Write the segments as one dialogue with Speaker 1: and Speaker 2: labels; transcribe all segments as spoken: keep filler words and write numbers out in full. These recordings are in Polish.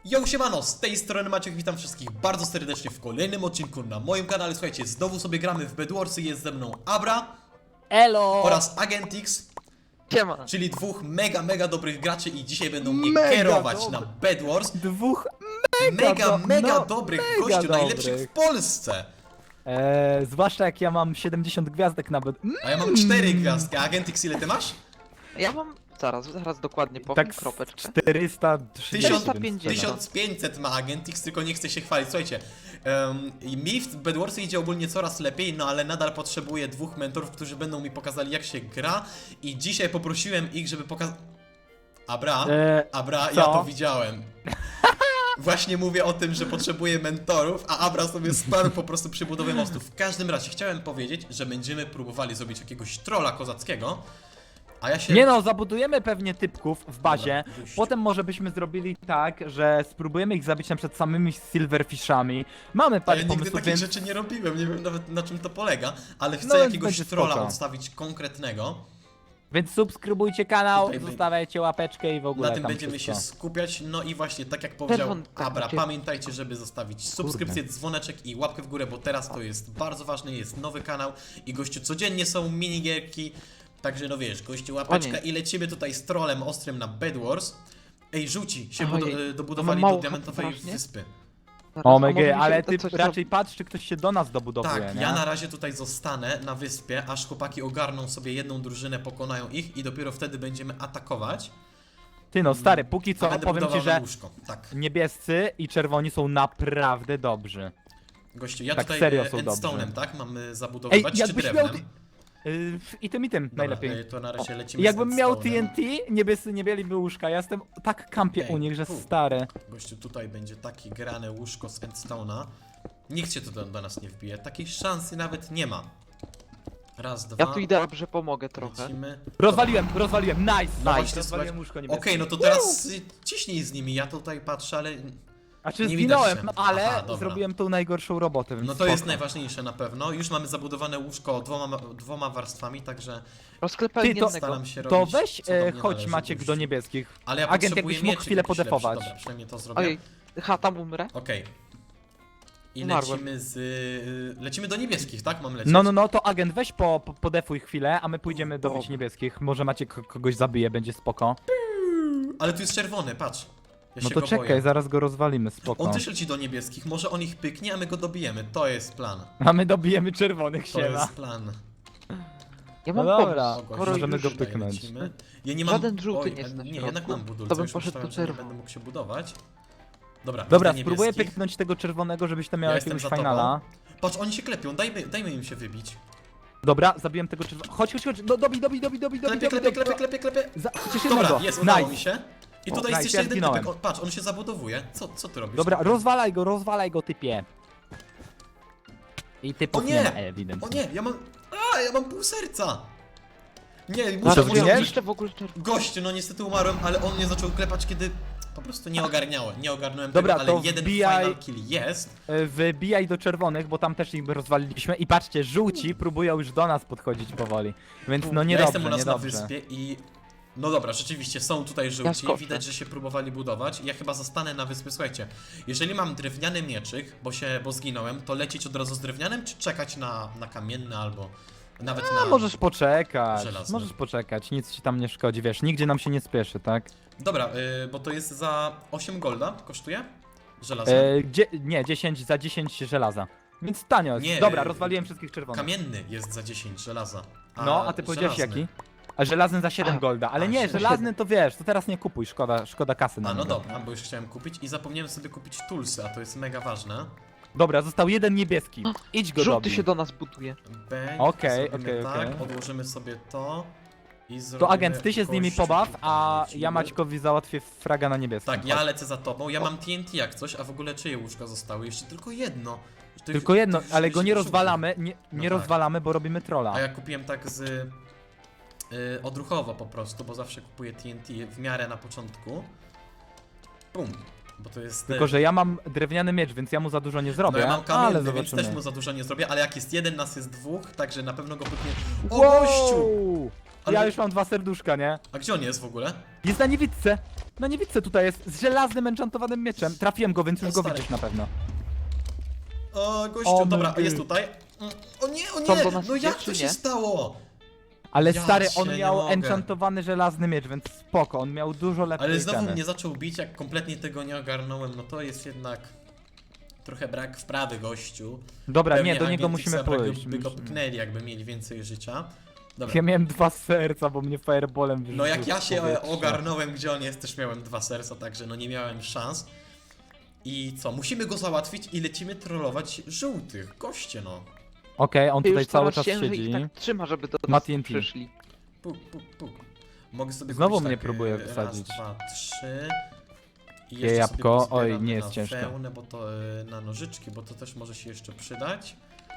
Speaker 1: Yo, siemano, z tej strony Maciek, witam wszystkich bardzo serdecznie w kolejnym odcinku na moim kanale. Słuchajcie, znowu sobie gramy w Bedwarsy, jest ze mną Abra
Speaker 2: Elo!
Speaker 1: oraz Agentix,
Speaker 2: Siema!
Speaker 1: czyli dwóch mega, mega dobrych graczy i dzisiaj będą mnie
Speaker 2: Mega
Speaker 1: kierować
Speaker 2: dobry.
Speaker 1: na Bedwars.
Speaker 2: Dwóch
Speaker 1: Mega,
Speaker 2: mega, do-
Speaker 1: mega
Speaker 2: no,
Speaker 1: dobrych
Speaker 2: mega
Speaker 1: gościu, najlepszych
Speaker 2: dobrych.
Speaker 1: w Polsce.
Speaker 2: Eee, zwłaszcza jak ja mam siedemdziesiąt gwiazdek nawet. Mm,
Speaker 1: A ja mam cztery gwiazdki, a Agentix ile ty masz?
Speaker 3: Ja mam, zaraz, zaraz dokładnie powiem,
Speaker 2: tak z
Speaker 3: kropeczkę.
Speaker 2: czterysta
Speaker 1: Tysiąc,
Speaker 2: trzydzieści.
Speaker 3: pięćdziesiąt.
Speaker 1: tysiąc pięćset ma Agentix, tylko nie chce się chwalić. Słuchajcie, um, mi w Bedwarsy idzie ogólnie coraz lepiej, no ale nadal potrzebuję dwóch mentorów, którzy będą mi pokazali, jak się gra. I dzisiaj poprosiłem ich, żeby pokazać... Abra,
Speaker 2: Eee,
Speaker 1: Abra,
Speaker 2: co?
Speaker 1: ja to widziałem. Właśnie mówię o tym, że potrzebuję mentorów, a Abra sobie sparł po prostu przy budowie mostu. W każdym razie chciałem powiedzieć, że będziemy próbowali zrobić jakiegoś trolla kozackiego, a ja się...
Speaker 2: Nie no, zabudujemy pewnie typków w bazie.
Speaker 1: Dobra, gościu.
Speaker 2: Potem może byśmy zrobili tak, że spróbujemy ich zabić na przykład samymi silverfishami. Mamy
Speaker 1: Ja
Speaker 2: parę
Speaker 1: nigdy
Speaker 2: pomysłów,
Speaker 1: takich
Speaker 2: więc...
Speaker 1: rzeczy nie robiłem, nie wiem nawet na czym to polega, ale chcę
Speaker 2: No, więc
Speaker 1: jakiegoś
Speaker 2: będzie
Speaker 1: trolla
Speaker 2: spoko.
Speaker 1: odstawić konkretnego.
Speaker 2: Więc subskrybujcie kanał,
Speaker 1: Tutaj by-
Speaker 2: zostawiajcie łapeczkę i w ogóle
Speaker 1: Na tym
Speaker 2: tam
Speaker 1: będziemy
Speaker 2: wszystko.
Speaker 1: się skupiać, no i właśnie tak jak powiedział
Speaker 3: Czerwonka
Speaker 1: Abra,
Speaker 3: macie.
Speaker 1: pamiętajcie, żeby zostawić subskrypcję, dzwoneczek i łapkę w górę, bo teraz to jest bardzo ważne, jest nowy kanał i gościu codziennie są minigierki, także no wiesz, gościu łapeczka
Speaker 3: O nie.
Speaker 1: i lecimy tutaj z trollem ostrym na Bedwars. Ej, żółci się
Speaker 3: Ojej,
Speaker 1: budo-
Speaker 3: to
Speaker 1: dobudowali
Speaker 3: mam
Speaker 1: do
Speaker 3: mało
Speaker 1: diamentowej
Speaker 3: strasznie.
Speaker 1: wyspy.
Speaker 3: Zaraz,
Speaker 2: O
Speaker 3: a może mi
Speaker 2: mega,
Speaker 3: się
Speaker 2: ale
Speaker 3: uda
Speaker 2: ty
Speaker 3: coś
Speaker 2: raczej patrz, czy ktoś się do nas dobudowuje,
Speaker 1: Tak,
Speaker 2: nie?
Speaker 1: ja na razie tutaj zostanę na wyspie, aż chłopaki ogarną sobie jedną drużynę, pokonają ich i dopiero wtedy będziemy atakować.
Speaker 2: Ty no, stary, póki
Speaker 1: A
Speaker 2: co
Speaker 1: będę
Speaker 2: powiem ci,
Speaker 1: budował
Speaker 2: że
Speaker 1: łóżko. Tak,
Speaker 2: niebiescy i czerwoni są naprawdę dobrzy.
Speaker 1: gościu, ja
Speaker 2: Tak,
Speaker 1: tutaj
Speaker 2: serio
Speaker 1: e,
Speaker 2: są
Speaker 1: endstone'em,
Speaker 2: dobrzy.
Speaker 1: tak? Mamy
Speaker 2: Ej,
Speaker 1: zabudowywać czy
Speaker 2: jakbyś miał...
Speaker 1: drewnem?
Speaker 2: Yy, I tym i tym
Speaker 1: Dobra,
Speaker 2: najlepiej.
Speaker 1: e, to na razie lecimy
Speaker 2: Jakbym
Speaker 1: z
Speaker 2: miał
Speaker 1: endstone'em.
Speaker 2: T N T, niebiescy nie mieliby łóżka. Ja jestem tak kampie
Speaker 1: Ej,
Speaker 2: u nich, że
Speaker 1: fu.
Speaker 2: stary.
Speaker 1: Gościu, tutaj będzie takie grane łóżko z endstone'a. Nikt się tu do, do nas nie wbije, takiej szansy nawet nie ma. Raz, dwa,
Speaker 3: Ja tu idę, że pomogę trochę.
Speaker 1: lecimy.
Speaker 2: Rozwaliłem, rozwaliłem, nice,
Speaker 1: No
Speaker 2: nice.
Speaker 1: właśnie,
Speaker 2: Rozwaliłem
Speaker 1: słuchaj-
Speaker 2: łóżko
Speaker 1: Okej,
Speaker 2: niebieskie.
Speaker 1: no to teraz y, ciśnij z nimi, ja tutaj patrzę, ale...
Speaker 2: A czy
Speaker 1: nie widać
Speaker 2: zginąłem,
Speaker 1: się.
Speaker 2: ale
Speaker 1: Aha, dobra.
Speaker 2: zrobiłem tą najgorszą robotę, więc
Speaker 1: No to
Speaker 2: spoko.
Speaker 1: jest najważniejsze na pewno. Już mamy zabudowane łóżko dwoma, dwoma warstwami, także
Speaker 3: Rozklepałem
Speaker 2: Ty, to-
Speaker 3: jednego.
Speaker 1: staram się
Speaker 2: To
Speaker 1: robić,
Speaker 2: weź,
Speaker 1: co do
Speaker 2: e,
Speaker 1: mnie
Speaker 2: chodź
Speaker 1: należy,
Speaker 2: Maciek
Speaker 1: gościu.
Speaker 2: do niebieskich.
Speaker 1: Ale ja
Speaker 2: Agent,
Speaker 1: potrzebuję
Speaker 2: jakbyś mógł
Speaker 1: mieczyk
Speaker 2: chwilę
Speaker 1: jakiś lepszy.
Speaker 2: podefować.
Speaker 1: Dobra, przynajmniej to zrobię.
Speaker 3: Ojej, ha, tam umrę.
Speaker 1: Okej. I
Speaker 3: Umarłem.
Speaker 1: lecimy z... y, lecimy do niebieskich, tak? Mam lecieć?
Speaker 2: No, no, no, to agent weź po, po, podefuj chwilę, a my pójdziemy dobić
Speaker 3: Dobra.
Speaker 2: niebieskich. Może Maciek k- kogoś zabije, będzie spoko.
Speaker 1: Ale tu jest czerwony, patrz. Ja
Speaker 2: No
Speaker 1: się
Speaker 2: to
Speaker 1: go
Speaker 2: czekaj,
Speaker 1: boję.
Speaker 2: zaraz go rozwalimy, spoko.
Speaker 1: On też leci do niebieskich, może on ich pyknie, a my go dobijemy. To jest plan.
Speaker 2: A my dobijemy czerwonych,
Speaker 1: To
Speaker 2: siema.
Speaker 1: jest plan.
Speaker 3: Ja
Speaker 2: No
Speaker 3: mam
Speaker 2: dobra.
Speaker 3: pomysł.
Speaker 1: O,
Speaker 3: Skoro
Speaker 2: możemy
Speaker 3: już...
Speaker 2: go
Speaker 1: Tutaj
Speaker 2: pyknąć.
Speaker 1: lecimy. Ja nie mam...
Speaker 3: Żaden żółty
Speaker 1: Oj,
Speaker 3: nie jest na
Speaker 1: nie,
Speaker 3: środku.
Speaker 1: jednak mam budulce,
Speaker 3: To bym
Speaker 1: już
Speaker 3: poszedł do
Speaker 1: myślałem, że nie
Speaker 3: czerwonych.
Speaker 1: będę mógł się budować. Dobra,
Speaker 2: Dobra,
Speaker 1: widzę
Speaker 2: spróbuję
Speaker 1: niebieskich.
Speaker 2: pyknąć tego czerwonego, żebyś tam miał
Speaker 1: Ja jestem
Speaker 2: jakiegoś
Speaker 1: za tobą.
Speaker 2: finala.
Speaker 1: Patrz, oni się klepią, dajmy, dajmy im się wybić.
Speaker 2: Dobra, zabiłem tego czerwonego. Chodź, chodź, chodź, do, dobij, dobij, dobij, dobij, dobij,
Speaker 1: Klepie,
Speaker 2: dobij,
Speaker 1: klepie,
Speaker 2: dobij.
Speaker 1: klepie, klepie, klepie.
Speaker 2: Za, chociaż
Speaker 1: Dobra,
Speaker 2: jednego.
Speaker 1: jest, udało
Speaker 2: Nice.
Speaker 1: mi się. I
Speaker 2: O,
Speaker 1: tutaj
Speaker 2: nice,
Speaker 1: jest jeszcze
Speaker 2: ja
Speaker 1: jeden
Speaker 2: zginąłem.
Speaker 1: typek. O, patrz, on się zabudowuje. Co, co ty robisz?
Speaker 2: Dobra, rozwalaj go, rozwalaj go, typie. I typów
Speaker 1: O
Speaker 2: nie,
Speaker 1: nie!
Speaker 2: ma
Speaker 1: O
Speaker 2: ewidentnie.
Speaker 1: nie, ja mam... A, ja mam pół serca. Nie,
Speaker 2: A,
Speaker 1: muszę,
Speaker 2: to
Speaker 1: muszę...
Speaker 2: zginiesz?
Speaker 3: Jeszcze w ogóle czerwony.
Speaker 1: Gościu, no niestety umarłem, ale on mnie zaczął klepać, kiedy... Po prostu nie ogarniałem, nie ogarnąłem
Speaker 2: Dobra,
Speaker 1: tego, ale
Speaker 2: to
Speaker 1: jeden
Speaker 2: wbijaj-
Speaker 1: final kill jest.
Speaker 2: E, Wybijaj do czerwonych, bo tam też ich rozwaliliśmy. I patrzcie, żółci próbują już do nas podchodzić powoli. Więc no
Speaker 1: ja
Speaker 2: niedobrze,
Speaker 1: jestem u nas na
Speaker 2: niedobrze.
Speaker 1: wyspie i... No dobra, rzeczywiście są tutaj żółci,
Speaker 3: skoczę.
Speaker 1: widać, że się próbowali budować. Ja chyba zostanę na wyspie, słuchajcie. Jeżeli mam drewniany mieczyk, bo się, bo zginąłem, to lecieć od razu z drewnianym, czy czekać na, na kamienny albo nawet
Speaker 2: A
Speaker 1: na...
Speaker 2: możesz poczekać,
Speaker 1: żelazny.
Speaker 2: możesz poczekać, nic ci tam nie szkodzi, wiesz, nigdzie nam się nie spieszy, tak?
Speaker 1: Dobra, y, bo to jest za osiem golda, kosztuje? Żelazny.
Speaker 2: E, gdzie, nie, dziesięć za dziesięć żelaza. Więc tanio jest.
Speaker 1: Nie,
Speaker 2: Dobra,
Speaker 1: y,
Speaker 2: rozwaliłem wszystkich czerwonych.
Speaker 1: Kamienny jest za dziesięć żelaza.
Speaker 2: No, a ty powiedziałeś
Speaker 1: żelazny-
Speaker 2: jaki? A żelazny za siedem
Speaker 3: A,
Speaker 2: golda, ale
Speaker 1: a,
Speaker 2: nie,
Speaker 1: siedem.
Speaker 2: żelazny to wiesz, to teraz nie kupuj, szkoda, szkoda kasy na
Speaker 1: A no
Speaker 2: niego.
Speaker 1: dobra, bo już chciałem kupić i zapomniałem sobie kupić tulsy, a to jest mega ważne.
Speaker 2: Dobra, został jeden niebieski. Idź go
Speaker 3: Żółty
Speaker 2: dobij.
Speaker 3: się do nas buduje.
Speaker 1: Bang,
Speaker 2: Okej,
Speaker 1: zrobimy
Speaker 2: okej,
Speaker 1: tak,
Speaker 2: okej.
Speaker 1: odłożymy sobie to i zrobimy...
Speaker 2: To agent, ty się z nimi
Speaker 1: gościu
Speaker 2: pobaw,
Speaker 1: tutaj
Speaker 2: a
Speaker 1: lecimy.
Speaker 2: ja Maćkowi załatwię fraga na niebieskim.
Speaker 1: Tak, ja lecę za tobą, ja mam T N T jak coś, a w ogóle czyje łóżka zostały? Jeszcze tylko jedno. Tych-
Speaker 2: Tylko jedno,
Speaker 1: tych
Speaker 2: ale go nie
Speaker 1: żółtych.
Speaker 2: rozwalamy, nie, nie
Speaker 1: tak.
Speaker 2: rozwalamy, bo robimy trolla.
Speaker 1: A ja kupiłem tak z... y, odruchowo po prostu, bo zawsze kupuję T N T w miarę na początku. Bum. Bo to jest...
Speaker 2: Tylko, że ja mam drewniany miecz, więc ja mu za dużo nie zrobię,
Speaker 1: No ja mam
Speaker 2: ale
Speaker 1: kamienny,
Speaker 2: zobaczymy.
Speaker 1: więc też mu za dużo nie zrobię, ale jak jest jeden, nas jest dwóch, także na pewno go pyknie... O gościu!
Speaker 2: Wow!
Speaker 1: Ale-
Speaker 2: Ja już mam dwa serduszka, nie?
Speaker 1: A gdzie on jest w ogóle?
Speaker 2: Jest na niewidce. No nie widzę, tutaj jest z żelaznym enchantowanym mieczem. Trafiłem go, więc już
Speaker 1: O,
Speaker 2: go
Speaker 1: stary.
Speaker 2: widzisz na pewno.
Speaker 1: O, gościu,
Speaker 2: O,
Speaker 1: dobra,
Speaker 2: my
Speaker 1: jest
Speaker 2: God.
Speaker 1: tutaj. Mm, O nie, o
Speaker 3: Co,
Speaker 1: nie,
Speaker 3: do nas
Speaker 1: no
Speaker 3: idzie,
Speaker 1: jak
Speaker 3: czy
Speaker 1: to się
Speaker 3: nie?
Speaker 1: stało?
Speaker 2: Ale
Speaker 1: Ja
Speaker 2: stary,
Speaker 1: cię
Speaker 2: on
Speaker 1: nie
Speaker 2: miał
Speaker 1: mogę.
Speaker 2: enchantowany żelazny miecz, więc spoko, on miał dużo lepsze
Speaker 1: Ale znowu
Speaker 2: itemy.
Speaker 1: mnie zaczął bić, jak kompletnie tego nie ogarnąłem, no to jest jednak trochę brak wprawy, gościu.
Speaker 2: Dobra,
Speaker 1: Pewnie
Speaker 2: nie, do niego
Speaker 1: Agentixa
Speaker 2: musimy
Speaker 1: by go-
Speaker 2: pójść.
Speaker 1: by go
Speaker 2: Musimy-
Speaker 1: pchnęli, jakby mieli więcej życia. Dobra.
Speaker 2: Ja miałem dwa serca, bo mnie fireballem wyrzucił.
Speaker 1: No jak ja
Speaker 2: w
Speaker 1: się
Speaker 2: powietrze.
Speaker 1: ogarnąłem, gdzie on jest, też miałem dwa serca, także no nie miałem szans. I co, musimy go załatwić i lecimy trollować żółtych, goście no.
Speaker 2: Okej, on
Speaker 3: Ty
Speaker 2: tutaj
Speaker 3: już
Speaker 2: cały
Speaker 3: coraz
Speaker 2: czas
Speaker 3: ciężej
Speaker 2: siedzi.
Speaker 3: ich tak trzyma, żeby do
Speaker 2: Ma
Speaker 3: nas
Speaker 2: T N T.
Speaker 3: przyszli.
Speaker 1: Puk, puk, puk. Mogę sobie
Speaker 2: Znowu
Speaker 1: kupić
Speaker 2: mnie
Speaker 1: tak,
Speaker 2: próbuje
Speaker 1: e,
Speaker 2: wysadzić.
Speaker 1: Raz, dwa, trzy. I
Speaker 2: Je
Speaker 1: jeszcze
Speaker 2: jabłko.
Speaker 1: sobie pozbieramy
Speaker 2: Oj, nie jest
Speaker 1: na
Speaker 2: ciężko.
Speaker 1: wełnę, bo to e, na nożyczki, bo to też może się jeszcze przydać.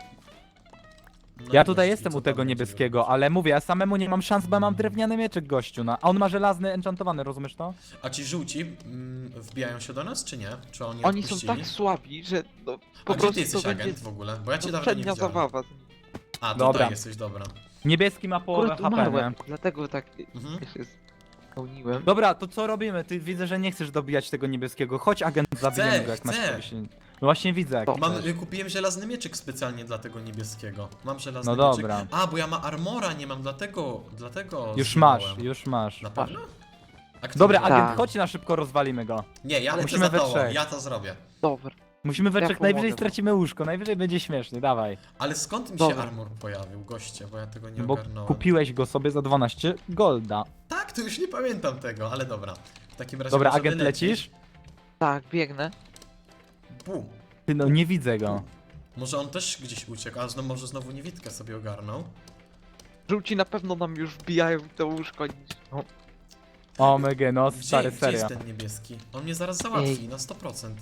Speaker 1: No
Speaker 2: Ja
Speaker 1: i
Speaker 2: tutaj
Speaker 1: gości,
Speaker 2: jestem
Speaker 1: co
Speaker 2: u
Speaker 1: tam
Speaker 2: tego
Speaker 1: będzie
Speaker 2: niebieskiego,
Speaker 1: robić?
Speaker 2: ale mówię, ja samemu nie mam szans, bo ja mam drewniany mieczek gościu, no. A on ma żelazny enchantowany, rozumiesz to?
Speaker 1: A ci żółci mm, wbijają się do nas, czy nie? Czy oni
Speaker 3: Oni są
Speaker 1: odpuścili?
Speaker 3: tak słabi, że no,
Speaker 1: A
Speaker 3: po
Speaker 1: gdzie
Speaker 3: prostu
Speaker 1: ty jesteś
Speaker 3: to będzie
Speaker 1: agent w ogóle? Bo ja cię dawno nie
Speaker 3: poprzednia
Speaker 1: widziałem.
Speaker 3: zabawa.
Speaker 1: A, tutaj
Speaker 2: Dobra.
Speaker 1: jesteś, dobra.
Speaker 2: Niebieski ma połowę
Speaker 3: Akurat
Speaker 2: H P, nie?
Speaker 3: umarłem, dlatego tak
Speaker 1: Mhm.
Speaker 3: ja się spełniłem.
Speaker 2: Dobra, to co robimy? Ty widzę, że nie chcesz dobijać tego niebieskiego. Chodź agent, zabijemy go jak
Speaker 1: chcę.
Speaker 2: masz się. No właśnie widzę jak
Speaker 3: To.
Speaker 2: chcesz.
Speaker 1: Mam, y, kupiłem żelazny mieczyk specjalnie dla tego niebieskiego. Mam żelazny
Speaker 2: No
Speaker 1: mieczyk.
Speaker 2: dobra.
Speaker 1: A, bo ja ma armora nie mam, dlatego, dlatego
Speaker 2: Już
Speaker 1: zginąłem.
Speaker 2: masz, już masz.
Speaker 1: Na pewno? A kto
Speaker 2: Dobra,
Speaker 1: wie?
Speaker 2: agent,
Speaker 3: Tak.
Speaker 2: chodź na szybko, rozwalimy go.
Speaker 1: Nie, ja lecę
Speaker 2: Musimy
Speaker 1: za
Speaker 2: we
Speaker 1: tobą,
Speaker 2: trzech.
Speaker 1: ja to zrobię.
Speaker 3: Dobra.
Speaker 2: Musimy we
Speaker 3: Ja
Speaker 2: trzech,
Speaker 3: pomogę
Speaker 2: najwyżej
Speaker 3: wam.
Speaker 2: stracimy łóżko, najwyżej będzie śmiesznie, dawaj.
Speaker 1: Ale skąd mi się
Speaker 3: Dobra.
Speaker 1: armor pojawił, goście, bo ja tego nie
Speaker 2: Bo
Speaker 1: ogarnąłem.
Speaker 2: kupiłeś go sobie za dwanaście golda.
Speaker 1: Tak, to już nie pamiętam tego, ale dobra. W takim razie
Speaker 2: Dobra,
Speaker 1: możemy
Speaker 2: agent
Speaker 1: lecieć.
Speaker 2: lecisz?
Speaker 3: Tak, biegnę.
Speaker 1: Bum.
Speaker 2: Ty no, nie widzę go.
Speaker 1: Może on też gdzieś uciekł, a znowu, może znowu niewidkę sobie ogarnął.
Speaker 3: Żółci na pewno nam już wbijają w to łóżko. No,
Speaker 2: O mega, no
Speaker 1: Gdzie,
Speaker 2: stary,
Speaker 1: gdzie
Speaker 2: serio.
Speaker 1: jest ten niebieski? On mnie zaraz załatwi,
Speaker 3: Ej.
Speaker 1: na sto procent.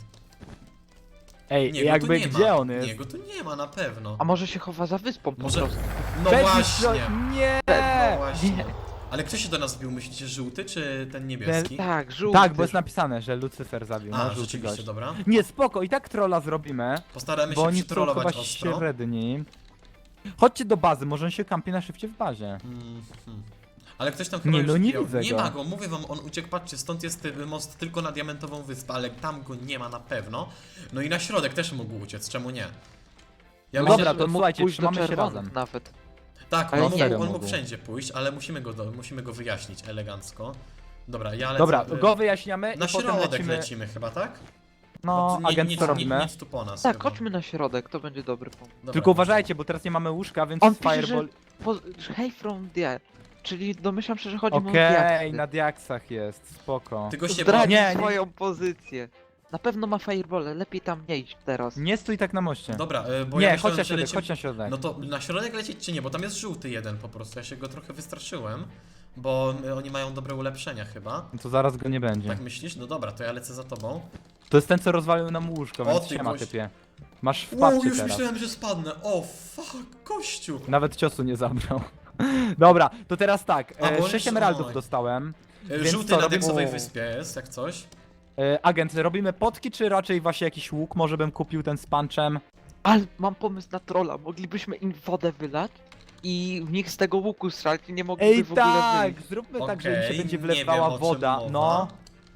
Speaker 2: Ej,
Speaker 1: Nie, go tu
Speaker 2: jakby
Speaker 1: nie
Speaker 2: gdzie
Speaker 1: ma.
Speaker 2: on jest?
Speaker 1: Nie, go tu nie ma na pewno.
Speaker 3: a może się chowa za wyspą
Speaker 1: Może-
Speaker 3: po prostu.
Speaker 1: No
Speaker 2: Cześć,
Speaker 1: właśnie.
Speaker 2: no- Nie!
Speaker 1: No właśnie.
Speaker 3: Nie.
Speaker 1: Ale kto się do nas wbił, myślicie, żółty czy ten niebieski?
Speaker 3: Tak, żółty.
Speaker 2: Tak, bo jest napisane, że Lucyfer zabił,
Speaker 1: A,
Speaker 2: no żółty
Speaker 1: rzeczywiście,
Speaker 2: gość.
Speaker 1: dobra.
Speaker 2: Nie, spoko, i tak trolla zrobimy,
Speaker 1: Postaramy
Speaker 2: bo
Speaker 1: się
Speaker 2: oni są chyba
Speaker 1: przytrollować ostro.
Speaker 2: średni. Chodźcie do bazy, może on się kampi na szybcie w bazie.
Speaker 1: Mhm. Ale ktoś tam chyba
Speaker 2: Nie,
Speaker 1: już
Speaker 2: no nie
Speaker 1: wbijał.
Speaker 2: widzę
Speaker 1: Nie
Speaker 2: go.
Speaker 1: ma go, mówię wam, on uciekł, patrzcie, stąd jest y, most tylko na Diamentową Wyspę, ale tam go nie ma na pewno. No i na środek też mógł uciec, czemu nie? Ja
Speaker 2: No
Speaker 1: myślę,
Speaker 2: dobra,
Speaker 1: że-
Speaker 2: to
Speaker 3: mógł
Speaker 2: słuchajcie,
Speaker 3: pójść do
Speaker 2: trzymamy się
Speaker 3: czerwonych
Speaker 2: razem.
Speaker 3: nawet.
Speaker 1: Tak,
Speaker 3: Ale
Speaker 1: on,
Speaker 3: nie,
Speaker 1: mógł,
Speaker 2: serio
Speaker 1: on mógł
Speaker 2: mógł.
Speaker 1: wszędzie pójść, ale musimy go, do, musimy go wyjaśnić elegancko. Dobra, ja lecę...
Speaker 2: Dobra,
Speaker 1: y,
Speaker 2: go wyjaśniamy
Speaker 1: Na
Speaker 2: i potem
Speaker 1: środek
Speaker 2: lecimy.
Speaker 1: lecimy chyba, tak?
Speaker 2: No,
Speaker 1: Bo nie-
Speaker 2: agent
Speaker 1: nic,
Speaker 2: co
Speaker 1: nic,
Speaker 2: robimy?
Speaker 1: nic tu po nas
Speaker 3: Tak,
Speaker 1: chyba.
Speaker 3: chodźmy na środek, to będzie dobry pomysł.
Speaker 1: Dobra,
Speaker 2: Tylko uważajcie, bo teraz nie mamy łóżka, więc
Speaker 3: On pisze,
Speaker 2: fireball...
Speaker 3: że po, że hey from the czyli domyślam się, że chodzi mu o
Speaker 2: Okej,
Speaker 3: diaksy.
Speaker 2: na diaksach jest, spoko.
Speaker 1: Ty goście,
Speaker 3: Zdradzi
Speaker 2: Nie, nie.
Speaker 3: swoją pozycję. Na pewno ma fireball, lepiej tam nie iść teraz.
Speaker 2: Nie stój tak na moście.
Speaker 1: Dobra, y, bo
Speaker 2: Nie,
Speaker 1: ja
Speaker 2: chodź
Speaker 1: myślałem,
Speaker 2: na
Speaker 1: że
Speaker 2: środek,
Speaker 1: lecimy...
Speaker 2: chodź na środek.
Speaker 1: No to na środek lecieć czy nie, bo tam jest żółty jeden po prostu, ja się go trochę wystraszyłem. Bo y, oni mają dobre ulepszenia chyba.
Speaker 2: No to zaraz go nie będzie.
Speaker 1: Tak myślisz? No dobra, to ja lecę za tobą.
Speaker 2: To jest ten, co rozwalił nam łóżko,
Speaker 1: O,
Speaker 2: więc
Speaker 1: ty
Speaker 2: siema
Speaker 1: gość.
Speaker 2: typie. Masz
Speaker 1: Wow,
Speaker 2: wpadcie
Speaker 1: już
Speaker 2: teraz.
Speaker 1: myślałem, że spadnę. O, fuck, kościół.
Speaker 2: Nawet ciosu nie zabrał. Dobra, to teraz tak.
Speaker 1: A, bo
Speaker 2: E,
Speaker 1: on
Speaker 2: sześć
Speaker 1: jest-
Speaker 2: emeraldów
Speaker 1: oj.
Speaker 2: dostałem.
Speaker 1: Y,
Speaker 2: Więc
Speaker 1: Żółty
Speaker 2: co,
Speaker 1: na
Speaker 2: robimy-
Speaker 1: deksowej
Speaker 2: O.
Speaker 1: wyspie jest, jak coś.
Speaker 2: E, agent, robimy potki, czy raczej właśnie jakiś łuk? Może bym kupił ten z punczem?
Speaker 3: Ale mam pomysł na trolla, moglibyśmy im wodę wylać i w nich z tego łuku strzelać i nie mogliby
Speaker 2: Ej
Speaker 3: w ogóle
Speaker 2: tak!
Speaker 3: wyjść.
Speaker 2: Zróbmy tak, że im
Speaker 1: Okej,
Speaker 2: się będzie
Speaker 1: nie
Speaker 2: wlewała
Speaker 1: wiem, o czym
Speaker 2: woda.
Speaker 1: mowa.
Speaker 2: No.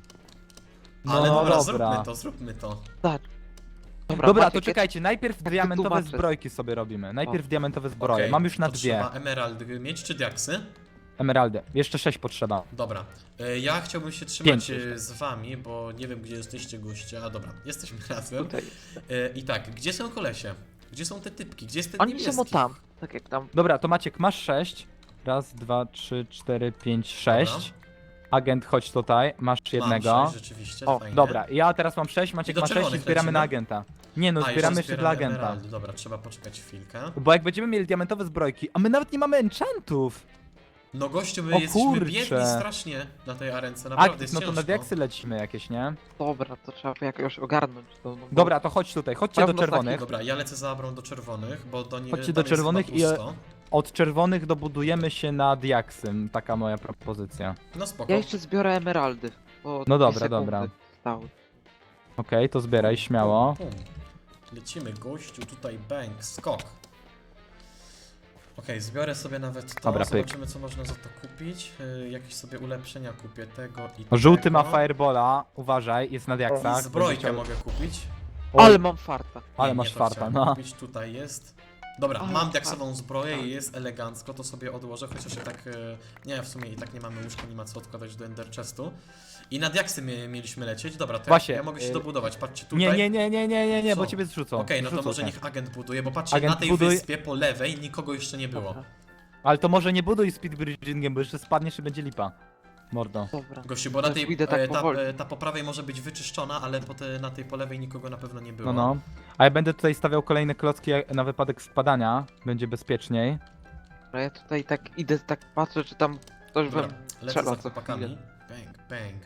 Speaker 2: No
Speaker 1: Ale dobra,
Speaker 2: dobra.
Speaker 1: zróbmy to, zróbmy to.
Speaker 3: Tak. Dobra,
Speaker 2: Dobra,
Speaker 3: Maciek,
Speaker 2: to czekajcie, najpierw
Speaker 3: ty
Speaker 2: diamentowe
Speaker 3: tłumaczę.
Speaker 2: zbrojki sobie robimy. Najpierw diamentowe zbroje.
Speaker 1: Okej,
Speaker 2: Mam już na
Speaker 1: to
Speaker 2: dwie
Speaker 1: Trzeba emerald mieć czy diaksy?
Speaker 2: emeraldy. Jeszcze sześć potrzeba.
Speaker 1: Dobra. Y, Ja chciałbym się trzymać
Speaker 2: Pięć
Speaker 1: y,
Speaker 2: jeszcze.
Speaker 1: z wami, bo nie wiem gdzie jesteście goście. A dobra, jesteśmy razem.
Speaker 3: Tutaj.
Speaker 1: Y, I tak, gdzie są kolesie? Gdzie są te typki? Gdzie jest ten
Speaker 3: Oni
Speaker 1: niebieski?
Speaker 3: są o tam, tak jak tam.
Speaker 2: Dobra, to Maciek, masz sześć. Raz, dwa, trzy, cztery, pięć, sześć. Agent, chodź tutaj, masz jednego.
Speaker 1: Mam sześć, rzeczywiście,
Speaker 3: O,
Speaker 1: fajnie.
Speaker 2: Dobra, ja teraz mam sześć,
Speaker 1: I
Speaker 2: Maciek
Speaker 1: do
Speaker 2: ma sześć i
Speaker 1: czerwonych
Speaker 2: zbieramy
Speaker 1: lecimy?
Speaker 2: na agenta. Nie no,
Speaker 1: A,
Speaker 2: zbieramy
Speaker 1: jeszcze
Speaker 2: jeszcze dla
Speaker 1: zbieramy
Speaker 2: agenta.
Speaker 1: emeraldy. Dobra, trzeba poczekać chwilkę.
Speaker 2: Bo jak będziemy mieli diamentowe zbrojki, a my nawet nie mamy enchantów.
Speaker 1: No gościu, my
Speaker 2: O
Speaker 1: jesteśmy
Speaker 2: kurczę.
Speaker 1: biedni strasznie na tej arence,
Speaker 2: A,
Speaker 1: naprawdę jest
Speaker 2: no to na
Speaker 1: ciężko.
Speaker 2: diaksy lecimy jakieś, nie?
Speaker 3: Dobra, to trzeba jakoś ogarnąć to. No, bo-
Speaker 2: Dobra, to chodź tutaj, chodźcie do
Speaker 3: Prawda,
Speaker 2: czerwonych.
Speaker 1: Dobra, ja lecę za Abrą do czerwonych, bo do nie
Speaker 2: Chodźcie
Speaker 1: tam
Speaker 2: do
Speaker 1: jest
Speaker 2: czerwonych
Speaker 1: chyba
Speaker 2: i-
Speaker 1: pusto.
Speaker 2: Od czerwonych dobudujemy się na diaksy, taka moja propozycja.
Speaker 1: No spoko.
Speaker 3: Ja jeszcze zbiorę emeraldy. Bo
Speaker 2: No
Speaker 3: dwie
Speaker 2: dobra,
Speaker 3: sekundy
Speaker 2: dobra.
Speaker 3: Stały.
Speaker 2: Okej, to zbieraj, śmiało.
Speaker 1: Pum, pum. Lecimy, gościu, tutaj bang, skok. Okej, zbiorę sobie nawet to,
Speaker 2: Dobra, pyk.
Speaker 1: zobaczymy co można za to kupić. Yy, jakieś sobie ulepszenia kupię tego i
Speaker 2: O, żółty
Speaker 1: tego.
Speaker 2: ma firebola, uważaj, jest na
Speaker 1: I
Speaker 2: diaksach.
Speaker 1: zbrojkę
Speaker 2: będzie chciał-
Speaker 1: mogę kupić.
Speaker 2: Oj,
Speaker 3: Ale mam farta.
Speaker 2: ale
Speaker 1: Nie,
Speaker 2: masz
Speaker 1: nie to
Speaker 2: farta,
Speaker 1: chciałem
Speaker 2: no.
Speaker 1: kupić, tutaj jest. Dobra,
Speaker 3: Ale
Speaker 1: mam
Speaker 3: fart.
Speaker 1: diaksową zbroję
Speaker 3: Tak.
Speaker 1: i jest elegancko, to sobie odłożę, chociaż i tak, e, nie, w sumie i tak nie mamy łóżka, nie ma co odkładać do ender chestu. I na diaksy mie- mieliśmy lecieć, dobra, to
Speaker 2: Właśnie,
Speaker 1: ja, ja mogę się
Speaker 2: y-
Speaker 1: dobudować, patrzcie tutaj.
Speaker 2: Nie, nie, nie, nie, nie, nie, nie, bo
Speaker 1: Co?
Speaker 2: ciebie zrzucą.
Speaker 1: Okej, no to
Speaker 2: Zrzucą
Speaker 1: może
Speaker 2: cię.
Speaker 1: niech agent buduje, bo patrzcie,
Speaker 2: Agent
Speaker 1: na tej
Speaker 2: buduj-
Speaker 1: wyspie po lewej nikogo jeszcze nie było.
Speaker 3: Dobra,
Speaker 2: Ale to może nie buduj speedbridgingiem, bo jeszcze spadniesz i będzie lipa. Mordo.
Speaker 3: dobra.
Speaker 1: Gościu, bo na
Speaker 3: Ja
Speaker 1: tej,
Speaker 3: pójdę tak
Speaker 1: e, ta,
Speaker 3: powoli.
Speaker 1: e, ta po prawej może być wyczyszczona, ale po te, na tej po lewej nikogo na pewno nie było.
Speaker 2: No, no. A ja będę tutaj stawiał kolejne klocki jak- na wypadek spadania. Będzie bezpieczniej.
Speaker 3: Dobra, ja tutaj tak idę, tak patrzę, czy tam ktoś
Speaker 1: Dobra,
Speaker 3: we
Speaker 1: lecę
Speaker 3: strzela
Speaker 1: za
Speaker 3: co
Speaker 1: chłopakami.
Speaker 3: chwilę.
Speaker 1: Bang, bang.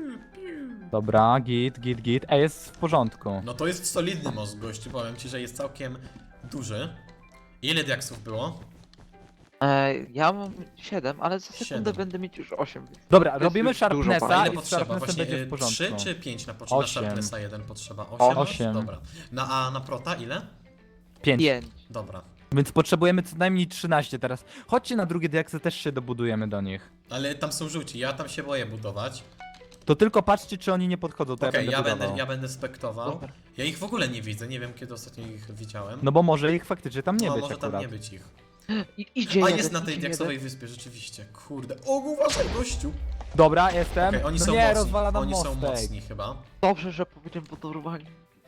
Speaker 2: Dobra, git, git, git. Ej, jest w porządku.
Speaker 1: No to jest solidny most, gościu, powiem ci, że jest całkiem duży. Ile diaksów było?
Speaker 3: E, ja mam siedem, ale za sekundę
Speaker 1: Siedem.
Speaker 3: będę mieć już osiem.
Speaker 2: Dobra,
Speaker 3: To jest
Speaker 2: robimy
Speaker 3: już dużo
Speaker 2: sharpnessa
Speaker 3: bardzo.
Speaker 1: A ile
Speaker 2: i z
Speaker 1: potrzeba?
Speaker 2: sharpnessem
Speaker 1: Właśnie
Speaker 2: będzie w
Speaker 1: e,
Speaker 2: porządku.
Speaker 1: trzy czy pięć na początku? Na
Speaker 2: Osiem.
Speaker 1: Sharpnessa jeden potrzeba. osiem?
Speaker 2: Osiem.
Speaker 1: Dobra. Na, a na prota ile?
Speaker 2: Pięć.
Speaker 3: Pięć.
Speaker 1: Dobra.
Speaker 2: Więc potrzebujemy co najmniej trzynaście teraz. Chodźcie na drugie diaksy, też się dobudujemy do nich.
Speaker 1: Ale tam są żółci, ja tam się boję budować.
Speaker 2: To tylko patrzcie, czy oni nie podchodzą, to
Speaker 1: Okej,
Speaker 2: ja
Speaker 1: ja,
Speaker 2: będę
Speaker 1: będę,
Speaker 2: budował.
Speaker 1: ja będę spektował.
Speaker 3: Dobra.
Speaker 1: Ja ich w ogóle nie widzę, nie wiem kiedy ostatnio ich widziałem.
Speaker 2: No bo może ich faktycznie tam nie
Speaker 1: no,
Speaker 2: być
Speaker 1: może
Speaker 2: akurat.
Speaker 1: tam nie być ich.
Speaker 3: I, idzie
Speaker 1: A
Speaker 3: jeden,
Speaker 1: jest na tej
Speaker 3: idzie
Speaker 1: diaksowej
Speaker 3: jeden.
Speaker 1: wyspie, rzeczywiście. Kurde. O, uważaj, gościu!
Speaker 2: Dobra, jestem.
Speaker 1: Okej, oni
Speaker 2: no
Speaker 1: są
Speaker 2: nie,
Speaker 1: mocni.
Speaker 2: rozwala nam
Speaker 1: Oni są
Speaker 2: mostek.
Speaker 1: mocni chyba.
Speaker 3: Dobrze, że powiedziałem budowaniu.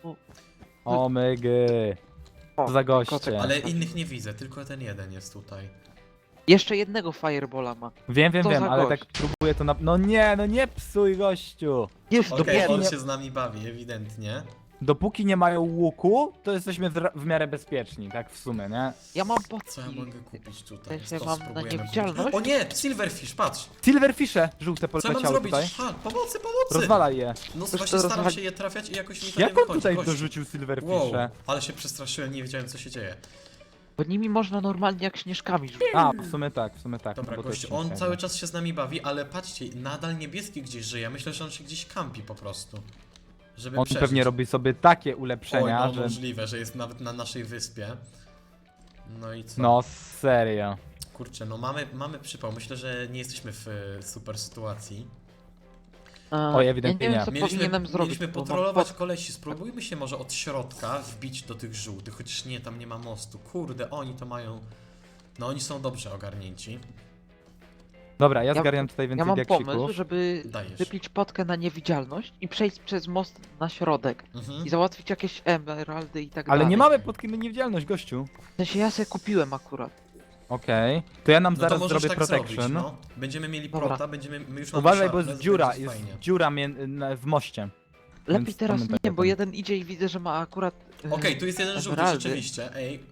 Speaker 2: O mygy.
Speaker 3: O,
Speaker 2: Co za
Speaker 3: kotek,
Speaker 2: goście.
Speaker 1: Ale innych nie widzę, tylko ten jeden jest tutaj.
Speaker 3: Jeszcze jednego firebola ma.
Speaker 2: Wiem, wiem,
Speaker 3: Co
Speaker 2: wiem,
Speaker 3: za
Speaker 2: ale
Speaker 3: gość.
Speaker 2: tak próbuję to na... No nie, no nie psuj gościu.
Speaker 3: Jest
Speaker 1: Okej,
Speaker 3: dopiero.
Speaker 1: on
Speaker 2: nie-
Speaker 1: się z nami bawi, ewidentnie.
Speaker 2: Dopóki nie mają łuku, to jesteśmy w, w miarę bezpieczni, tak w sumie, nie?
Speaker 3: Ja mam
Speaker 1: Co ja
Speaker 3: potki.
Speaker 1: mogę kupić tutaj?
Speaker 3: Ja się
Speaker 1: To
Speaker 3: mam na
Speaker 1: spróbujemy
Speaker 3: niewidzialność.
Speaker 1: kupić. O nie, Silverfish, patrz!
Speaker 2: Silverfishe żółte
Speaker 1: Co ja mam
Speaker 2: poleciały
Speaker 1: zrobić?
Speaker 2: tutaj.
Speaker 1: Ha, pomocy, pomocy!
Speaker 2: Rozwalaj je.
Speaker 1: No
Speaker 3: Coś
Speaker 1: właśnie
Speaker 3: to
Speaker 1: staram
Speaker 3: rozwali-
Speaker 1: się je trafiać i jakoś mi to
Speaker 2: Jak
Speaker 1: nie
Speaker 2: on
Speaker 1: wychodzi.
Speaker 2: tutaj
Speaker 1: gościu.
Speaker 2: dorzucił
Speaker 1: Wow,
Speaker 2: Silverfisze?
Speaker 1: ale się przestraszyłem, nie wiedziałem co się dzieje.
Speaker 3: Bo nimi można normalnie jak śnieżkami rzucić.
Speaker 2: A, w sumie tak, w sumie tak.
Speaker 1: Dobra,
Speaker 2: no bo to
Speaker 1: gościu,
Speaker 2: jest
Speaker 1: on
Speaker 2: śmieszne.
Speaker 1: cały czas się z nami bawi, ale patrzcie, nadal niebieski gdzieś żyje. Myślę, że on się gdzieś kampi po prostu. Żeby
Speaker 2: On
Speaker 1: przeżyć.
Speaker 2: pewnie robi sobie takie
Speaker 1: Oj,
Speaker 2: ulepszenia,
Speaker 1: no
Speaker 2: że...
Speaker 1: możliwe, że jest nawet na naszej wyspie. No i co?
Speaker 2: No serio.
Speaker 1: Kurczę, no mamy, mamy przypał. Myślę, że nie jesteśmy w e, super sytuacji.
Speaker 3: A,
Speaker 2: Oj, ewidentnie
Speaker 3: ja nie
Speaker 2: nie.
Speaker 3: wiem, co
Speaker 1: Mieliśmy,
Speaker 3: powinienem zrobić.
Speaker 1: mieliśmy
Speaker 3: bo mam
Speaker 1: potrolować
Speaker 3: pot-
Speaker 1: kolesi. Spróbujmy się może od środka wbić do tych żółtych, chociaż nie, tam nie ma mostu. Kurde, oni to mają... No oni są dobrze ogarnięci.
Speaker 2: Dobra, ja
Speaker 3: Ja-
Speaker 2: zgarniam tutaj
Speaker 3: Ja
Speaker 2: więcej
Speaker 3: mam
Speaker 2: diaksików.
Speaker 3: pomysł, żeby
Speaker 1: Dajesz.
Speaker 3: wypić potkę na niewidzialność i przejść przez most na środek.
Speaker 1: Mhm.
Speaker 3: I załatwić jakieś emeraldy i tak
Speaker 2: Ale
Speaker 3: dalej.
Speaker 2: nie mamy podki na niewidzialność, gościu.
Speaker 3: W sensie ja sobie kupiłem akurat.
Speaker 2: Okej. To ja nam
Speaker 1: No to
Speaker 2: zaraz
Speaker 1: możesz
Speaker 2: zrobię
Speaker 1: tak
Speaker 2: protection.
Speaker 1: zrobić, no. Będziemy mieli
Speaker 3: Dobra.
Speaker 1: prota, będziemy... My już mamy
Speaker 2: Uważaj, bo jest
Speaker 1: sharpness,
Speaker 2: dziura,
Speaker 1: będzie
Speaker 2: jest
Speaker 1: fajnie.
Speaker 2: dziura mie- na- w moście.
Speaker 3: Lepiej
Speaker 2: Więc
Speaker 3: teraz
Speaker 2: pamiętaj
Speaker 3: nie,
Speaker 2: o
Speaker 3: bo
Speaker 2: tym.
Speaker 3: jeden idzie i widzę, że ma akurat... e,
Speaker 1: Okej, tu jest jeden żółty,
Speaker 3: emeraldy.
Speaker 1: rzeczywiście, ej.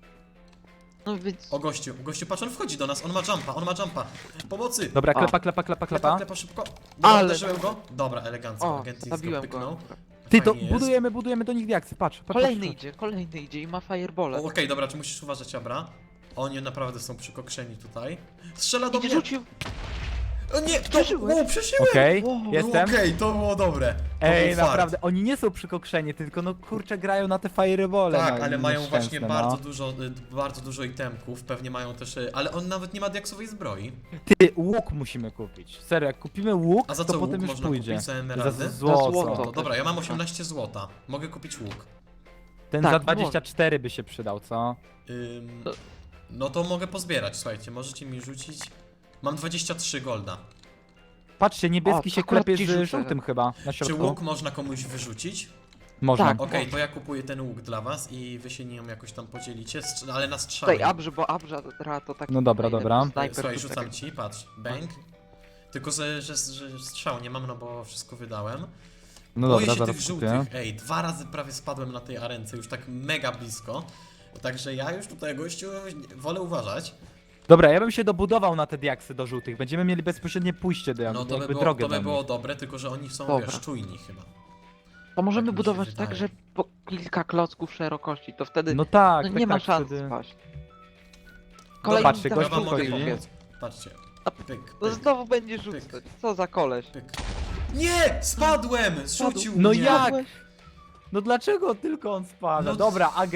Speaker 3: No więc...
Speaker 1: O gościu, gościu, patrz, on wchodzi do nas, on ma jumpa, on ma jumpa. Pomocy!
Speaker 2: Dobra,
Speaker 3: A.
Speaker 2: klepa, klepa, klepa,
Speaker 1: Klepa,
Speaker 2: klepa.
Speaker 1: klepa szybko. Dobra,
Speaker 3: Ale-
Speaker 1: uderzyłem go. Dobra, elegancko,
Speaker 3: O,
Speaker 1: agent
Speaker 3: zabiłem go.
Speaker 1: pyknął.
Speaker 3: akurat.
Speaker 2: Ty, to
Speaker 1: Fajnie jest.
Speaker 2: budujemy, budujemy do nich diaksy, patrz. patrz
Speaker 3: Kolejny
Speaker 2: patrz.
Speaker 3: idzie, kolejny idzie i ma
Speaker 1: O,
Speaker 3: firebole.
Speaker 1: Okej, dobra, czy musisz uważać, Abra? Oni naprawdę są przykokszeni tutaj. Strzela do
Speaker 3: Idzie,
Speaker 1: mnie!
Speaker 3: rzucił!
Speaker 1: O nie, to...
Speaker 3: Przeżyłeś?
Speaker 1: O, przeszyłem!
Speaker 2: Okej,
Speaker 3: Wow.
Speaker 1: No
Speaker 2: jestem.
Speaker 1: Okej, to było dobre. To
Speaker 2: Ej,
Speaker 1: był fart.
Speaker 2: naprawdę, oni nie są przykokszeni, tylko no kurczę grają na te firebole.
Speaker 1: Tak,
Speaker 2: no,
Speaker 1: ale mają
Speaker 2: nieszczęsne,
Speaker 1: właśnie
Speaker 2: no.
Speaker 1: bardzo dużo, y, bardzo dużo itemków, pewnie mają też, y, ale on nawet nie ma diaksowej zbroi.
Speaker 2: Ty, łuk musimy kupić. Serio, jak kupimy łuk,
Speaker 1: A za
Speaker 2: to
Speaker 1: co łuk
Speaker 2: potem już
Speaker 1: można
Speaker 2: pójdzie.
Speaker 1: kupić za
Speaker 2: Za
Speaker 1: emeraldy?
Speaker 2: złoto.
Speaker 3: złoto.
Speaker 1: To dobra, ja mam osiemnaście złota. Mogę kupić łuk.
Speaker 2: Ten
Speaker 3: Tak,
Speaker 2: za dwadzieścia cztery by się przydał, co?
Speaker 1: Ym,
Speaker 3: To-
Speaker 1: no to mogę pozbierać, słuchajcie, możecie mi rzucić. Mam dwadzieścia trzy golda.
Speaker 2: Patrzcie, niebieski
Speaker 3: O,
Speaker 2: się
Speaker 3: akurat
Speaker 2: klepie
Speaker 3: ci
Speaker 2: z
Speaker 3: rzucę.
Speaker 2: żółtym chyba na
Speaker 1: Czy
Speaker 2: środku.
Speaker 1: łuk można komuś wyrzucić?
Speaker 2: Można.
Speaker 3: Tak.
Speaker 1: Okej, to ja kupuję ten łuk dla was i wy się nim jakoś tam podzielicie, strz- ale na
Speaker 3: Tutaj
Speaker 1: strzały.
Speaker 3: Abrze, bo Abrze to taki...
Speaker 2: No dobra,
Speaker 3: fajny
Speaker 2: dobra.
Speaker 3: snajper
Speaker 1: Słuchaj,
Speaker 3: tutaj.
Speaker 1: rzucam ci, patrz, bang. Tylko, że, że, że strzał nie mam, no bo wszystko wydałem.
Speaker 2: No
Speaker 1: Boję
Speaker 2: dobra,
Speaker 1: się
Speaker 2: zaraz
Speaker 1: tych
Speaker 2: kupię.
Speaker 1: żółtych. Ej, dwa razy prawie spadłem na tej arence, już tak mega blisko. Także ja już tutaj, gościu, wolę uważać.
Speaker 2: Dobra, ja bym się dobudował na te diaksy do żółtych. Będziemy mieli bezpośrednie pójście do
Speaker 1: No to by
Speaker 2: jakby
Speaker 1: było,
Speaker 2: drogę
Speaker 1: to by
Speaker 2: do
Speaker 1: było
Speaker 2: nich.
Speaker 1: dobre, tylko że oni są,
Speaker 3: Dobra.
Speaker 1: wiesz, czujni chyba.
Speaker 3: To możemy
Speaker 1: Tak mi się
Speaker 3: budować
Speaker 1: wydaje.
Speaker 3: tak, że po kilka klocków szerokości, to wtedy
Speaker 2: No tak,
Speaker 3: no
Speaker 2: tak,
Speaker 3: nie ma
Speaker 2: tak,
Speaker 3: szans
Speaker 2: wtedy-
Speaker 3: spaść.
Speaker 1: Dobra,
Speaker 2: patrzcie,
Speaker 3: tam
Speaker 2: gość
Speaker 1: ja wam mogę
Speaker 2: wchodzi.
Speaker 1: pomóc. Patrzcie. Pyk,
Speaker 3: No
Speaker 1: pyk,
Speaker 3: znowu będzie rzucać. Co za koleś.
Speaker 1: pyk. Nie! Spadłem! Zrzucił
Speaker 2: No
Speaker 1: mnie!
Speaker 2: jak?
Speaker 3: Spadłeś?
Speaker 2: No dlaczego tylko on spada?
Speaker 1: No-
Speaker 2: Dobra, agent,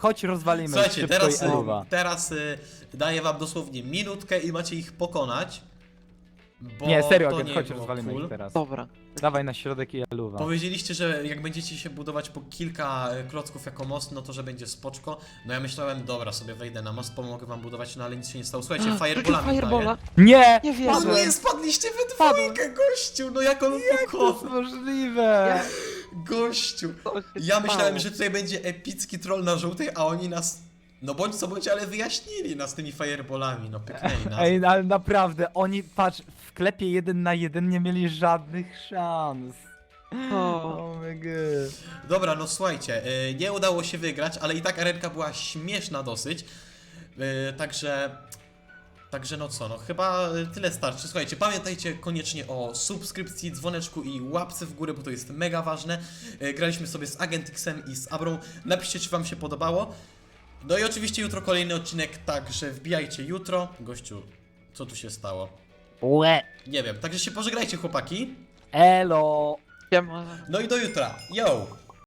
Speaker 2: chodź rozwalimy
Speaker 1: Słuchajcie,
Speaker 2: szybko
Speaker 1: teraz,
Speaker 2: i
Speaker 1: y,
Speaker 2: eluwa.
Speaker 1: teraz y, daję wam dosłownie minutkę i macie ich pokonać. Bo
Speaker 2: Nie, serio,
Speaker 1: to
Speaker 2: agent,
Speaker 1: nie
Speaker 2: chodź
Speaker 1: było
Speaker 2: rozwalimy
Speaker 1: cool.
Speaker 2: ich teraz.
Speaker 3: Dobra.
Speaker 2: Dawaj na środek i eluwa.
Speaker 1: Powiedzieliście, że jak będziecie się budować po kilka e, klocków jako most, no to że będzie spoczko. No ja myślałem, dobra, sobie wejdę na most, pomogę wam budować, no ale nic się nie stało. Słuchajcie, fireballami
Speaker 3: Firebola.
Speaker 2: Nie!
Speaker 3: Nie wierzę.
Speaker 1: Padł, nie, spadliście we
Speaker 3: Padłem.
Speaker 1: dwójkę, gościu, no jak on
Speaker 2: To jest
Speaker 1: pokonał.
Speaker 2: możliwe!
Speaker 1: Gościu.
Speaker 3: Co się
Speaker 1: Ja myślałem,
Speaker 3: stało?
Speaker 1: że tutaj będzie epicki troll na żółtej, a oni nas, no bądź co bądź, ale wyjaśnili nas tymi fireballami, no pyknęli nas.
Speaker 2: Ej, ale naprawdę, oni, patrz, w klepie jeden na jeden nie mieli żadnych szans.
Speaker 3: O.
Speaker 2: Oh my god.
Speaker 1: Dobra, no słuchajcie, y, nie udało się wygrać, ale i tak arenka była śmieszna dosyć. Y, Także... Także no co, no chyba y, tyle starczy. Słuchajcie, pamiętajcie koniecznie o subskrypcji, dzwoneczku i łapce w górę, bo to jest mega ważne. Y, Graliśmy sobie z Agentixem i z Abrą. Napiszcie, czy wam się podobało. No i oczywiście jutro kolejny odcinek, także wbijajcie jutro. Gościu, co tu się stało?
Speaker 2: Łe!
Speaker 1: Nie wiem, także się pożegnajcie chłopaki.
Speaker 2: Elo!
Speaker 3: Siema.
Speaker 1: No i do jutra. Yo!